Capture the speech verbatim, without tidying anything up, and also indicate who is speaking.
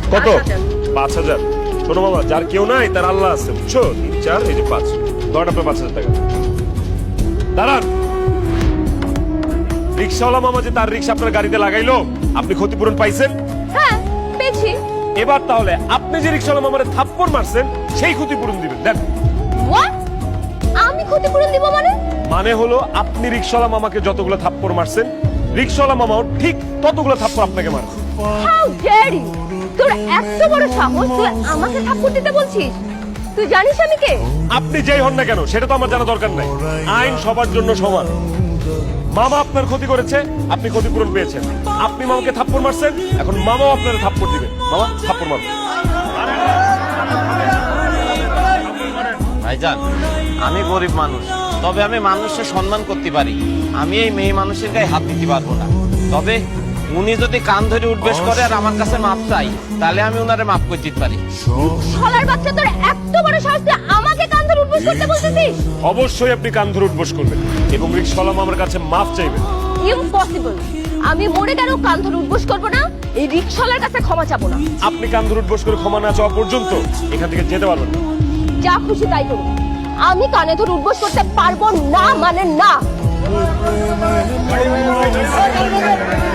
Speaker 1: কত? পাঁচ হাজার। শোনো মামা, যার কেউ নাই তার আল্লাহ আছে, বুঝছো? তিন চার এই যে পাঁচ, ধরেন আপনার পাঁচ হাজার টাকা। দাঁড়ান, রিক্সাওয়ালা মামা যে তার রিক্সা আপনার গাড়িতে লাগাইলো, আপনি ক্ষতিপূরণ পাইছেন?
Speaker 2: হ্যাঁ পেয়েছি।
Speaker 1: এবার তাহলে আপনি যে রিক্সাওয়ালা মামারে থাপ্পড় মারছেন সেই ক্ষতিপূরণ দিবেন। দেন।
Speaker 2: হোয়াট? আমি ক্ষতিপূরণ দিব মানে?
Speaker 1: মানে হলো আপনি রিক্সাওয়ালা মামাকে যতগুলো থাপ্পড় মারছেন, রিক্সাওয়ালা মামাও ঠিক ততগুলো থাপ্পড় আপনাকে মারবে।
Speaker 2: How dare you! তোর এত বড় সাহস, তুই আমাকে থাপ্পড় দিতে বলছিস? তুই জানিস আমি কে?
Speaker 1: আপনি যেই হন না কেন সেটা তো আমার জানা দরকার নাই। আইন সবার জন্য সমান। মামা আপনার ক্ষতি করেছে, আপনি ক্ষতিপূরণ পেয়েছেন। আপনি মামাকে থাপ্পড় মারছেন, এখন মামাও আপনার থাপ্পড় দিবেন। মামা থাপ্পড় মারুন।
Speaker 3: ভাইজান, আমি গরিব মানুষ, তবে আমি মানুষের সম্মান করতে পারি। আমি এই মেয়ে মানুষের গায়ে হাত দিতে পারবো না। তবে উনি যদি কান ধরে উঠবেশ করে আর আমার কাছে মাপ চাই, তাহলে আমি উনারে মাফ করে দিতে পারি।
Speaker 2: শালার বাচ্চা, তোর এত বড় সাহস, তুই আমাকে কান ধরে উঠবস করতে বলছিস?
Speaker 1: অবশ্যই আপনি কান ধরে উঠবস করবেন এবং রিক্সাওয়ালা মামার কাছে মাফ চাইবেন।
Speaker 2: ইম্পসিবল! আমি মরে গেলেও কান ধরে উঠবস করবো না, এই রিক্সাওয়ালার কাছে ক্ষমা চাবো না।
Speaker 1: আপনি কান ধরে উঠবস করে ক্ষমা না চাওয়া পর্যন্ত এখান থেকে যেতে পারবেন না।
Speaker 2: যা খুশি তাই করুন, আমি কানে ধরে উঠবস করতে পারবো না মানে না।